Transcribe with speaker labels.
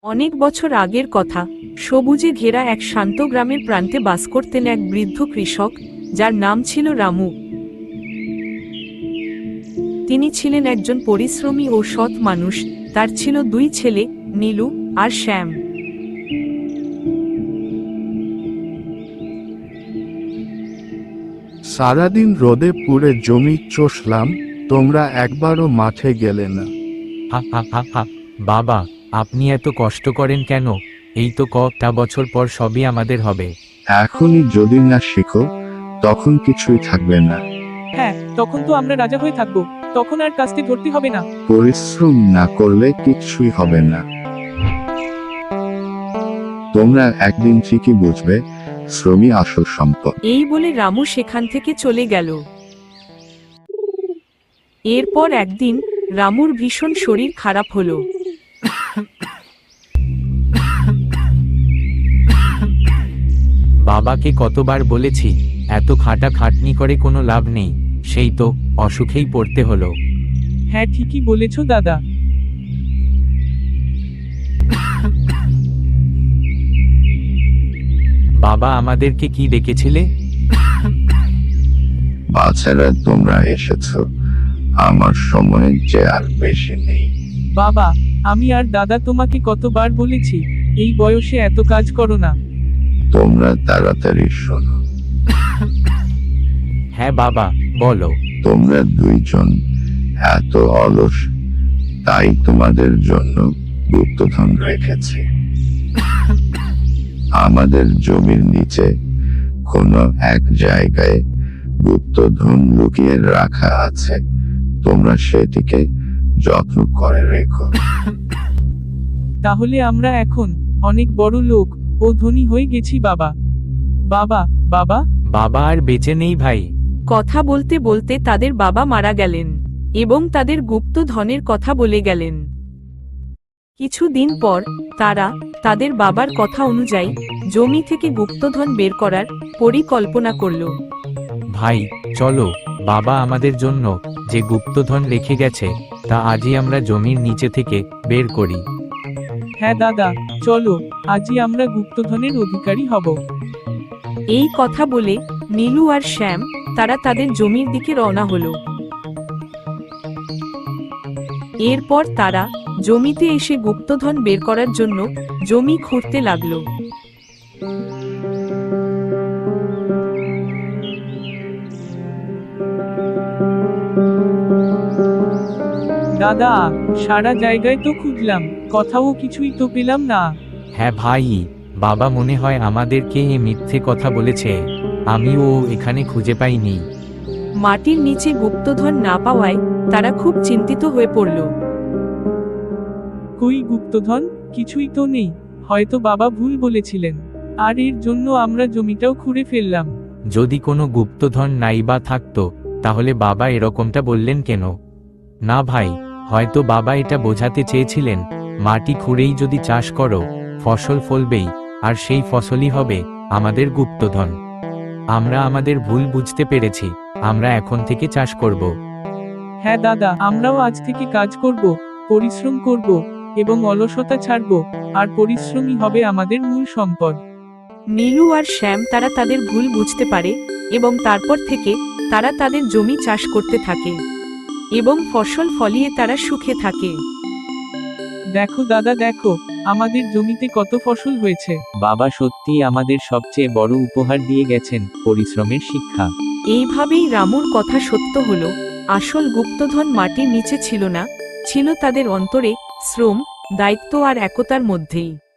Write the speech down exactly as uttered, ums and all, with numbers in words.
Speaker 1: অনেক বছর আগের কথা, সবুজে ঘেরা এক শান্ত গ্রামের প্রান্তে বাস করতেন এক বৃদ্ধ কৃষক, যার নাম ছিল রামু। তিনি ছিলেন একজন পরিশ্রমী ও সৎ মানুষ। তার ছিল দুই ছেলে, নীলু আর শ্যাম।
Speaker 2: সারাদিন রোদে পুড়ে জমি চষলাম, তোমরা একবারও মাঠে গেলে না।
Speaker 3: হা হা হা হা বাবা, আপনি এত কষ্ট করেন কেন? এই তো কটা বছর পর সবই আমাদের হবে।
Speaker 2: এখনই যদি না শিখো, তখন কিছুই থাকবে না।
Speaker 4: হ্যাঁ, তখন তো আমরা রাজা হয়ে থাকবো। তখন আর কাস্তে ধরতে হবে না।
Speaker 2: পরিশ্রম না করলে কিছুই হবে না। তোমরা একদিন ঠিকই বুঝবে, শ্রমই আসল সম্পদ।
Speaker 1: এই বলে রামু সেখান থেকে চলে গেল। এরপর একদিন রামুর ভীষণ শরীর খারাপ হলো।
Speaker 3: বাবাকে কতবার বলেছি, এত খাটা খাটনি করে কোনো লাভ নেই, সেই তো অসুখেই পড়তে হলো।
Speaker 4: হ্যাঁ, ঠিকই বলেছ দাদা।
Speaker 3: বাবা আমাদেরকে কি ডেকেছিলে?
Speaker 2: বাচ্চারা, তোমরা এসেছো, আমার সময় যে আর বেশি নেই।
Speaker 4: বাবা, আমি আর দাদা তোমাকে কতবার বলেছি, এই বয়সে এত কাজ করো না।
Speaker 2: তোমরা তাড়াতাড়ি শোনো।
Speaker 3: হ্যাঁ বাবা, বলো।
Speaker 2: তোমরা দুইজন এত অলস, তাই তোমাদের জন্য গুপ্তধন রেখেছি। আমাদের জমির নিচে কোনো এক জায়গায় গুপ্তধন লুকিয়ে রাখা আছে, তোমরা সেটিকে যত্ন করে রেখো।
Speaker 4: তাহলে আমরা এখন অনেক বড় লোক ও ধনী হয়ে গেছি বাবা। বাবা, বাবা।
Speaker 3: বাবা আর বেঁচে নেই ভাই।
Speaker 1: কথা বলতে বলতে তাদের বাবা মারা গেলেন এবং তাদের গুপ্ত ধনের কথা বলে গেলেন। কিছুদিন পর তারা তাদের বাবার কথা অনুযায়ী জমি থেকে গুপ্তধন বের করার পরিকল্পনা করল।
Speaker 3: ভাই চলো, বাবা আমাদের জন্য যে গুপ্তধন রেখে গেছে তা আজই আমরা জমির নিচে থেকে বের করি।
Speaker 4: হ্যাঁ দাদা, চলো, আজই আমরা গুপ্তধনের অধিকারী হব।
Speaker 1: এই কথা বলে নীলু আর শ্যাম তারা তাদের জমির দিকে রওনা হলো। এরপর তারা জমিতে এসে গুপ্তধন বের করার জন্য জমি খুঁড়তে লাগলো।
Speaker 4: দাদা, সারা জায়গায় তো খুঁজলাম, কোথাও কিছুই তো পেলাম না।
Speaker 3: হ্যাঁ ভাই, বাবা মনে হয় আমাদেরকে এ মিথ্যে কথা বলেছে, আমিও এখানে খুঁজে পাইনি।
Speaker 1: মাটির নিচে গুপ্তধন না পাওয়ায় তারা খুব চিন্তিত হয়ে পড়ল।
Speaker 4: কই গুপ্তধন? কিছুই তো নেই। হয়তো বাবা ভুল বলেছিলেন, আর এর জন্য আমরা জমিটাও খুঁড়ে ফেললাম।
Speaker 3: যদি কোনো গুপ্তধন নাই বা থাকতো, তাহলে বাবা এরকমটা বললেন কেন? না ভাই, হয়তো বাবা এটা বোঝাতে চেয়েছিলেন, মাটি খুঁড়েই যদি চাষ করো, ফসল ফলবেই, আর সেই ফসলই হবে আমাদের গুপ্তধন। আমরা আমাদের ভুল বুঝতে পেরেছি, আমরা এখন থেকে চাষ করব।
Speaker 4: হ্যাঁ দাদা, আমরাও আজ থেকে কাজ করব, পরিশ্রম করব এবং অলসতা ছাড়ব, আর পরিশ্রমই হবে আমাদের মূল সম্পদ।
Speaker 1: নীলু আর শ্যাম তারা তাদের ভুল বুঝতে পারে এবং তারপর থেকে তারা তাদের জমি চাষ করতে থাকে এবং ফসল ফলিয়ে তারা সুখে থাকে।
Speaker 4: দেখো দাদা, দেখো আমাদের জমিতে কত ফসল হয়েছে।
Speaker 3: বাবা সত্যি আমাদের সবচেয়ে বড় উপহার দিয়ে গেছেন, পরিশ্রমের শিক্ষা।
Speaker 1: এইভাবেই রামুর কথা সত্য হলো। আসল গুপ্তধন মাটির নিচে ছিল না, ছিল তাদের অন্তরে, শ্রম, দায়িত্ব আর একতার মধ্যেই।